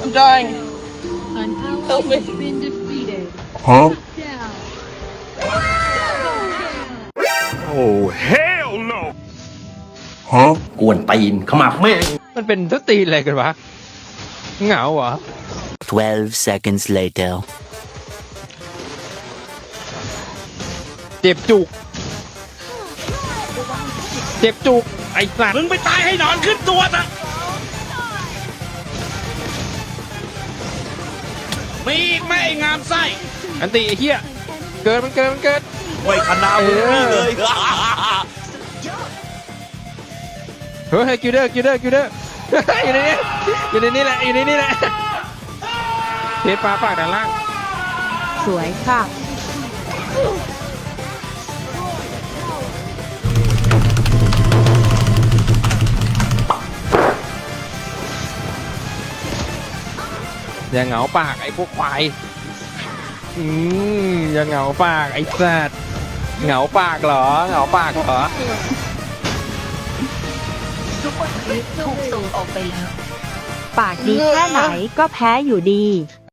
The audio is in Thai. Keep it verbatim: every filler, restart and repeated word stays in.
I'm dying. An ally Help me. has been defeated. Huh? Down. Oh, hell no! Huh? กวนตีนขมับแม่งมันเป็นทุกตีนอะไรกันวะเหงาเหรอ Twelve seconds later. เจ็บจุก เจ็บจุก ไอ้สัตว์มึงไปตายให้นอนขึ้นตัวซะมีอีกไหมไอ้งามไส้อันตีไอ้เหี้ย เกินมันเกินมันเกินไว้คณะมึงนี่เลยเฮ้ยกิวเดอร์กิวเดอร์กิวเดอร์ อยู่ในนี้อยู่ในนี้แหละอยู่ในนี้แหละเทปปลาปากด้านล่างสวยค่ะอย่าเหงาปากไอ้พวกควายอืมอย่าเหงาปากไอ้สัตว์เหงาปากเหรอ เหงาปากเหรอปากดีแค่ไหนก็แพ้อยู่ดี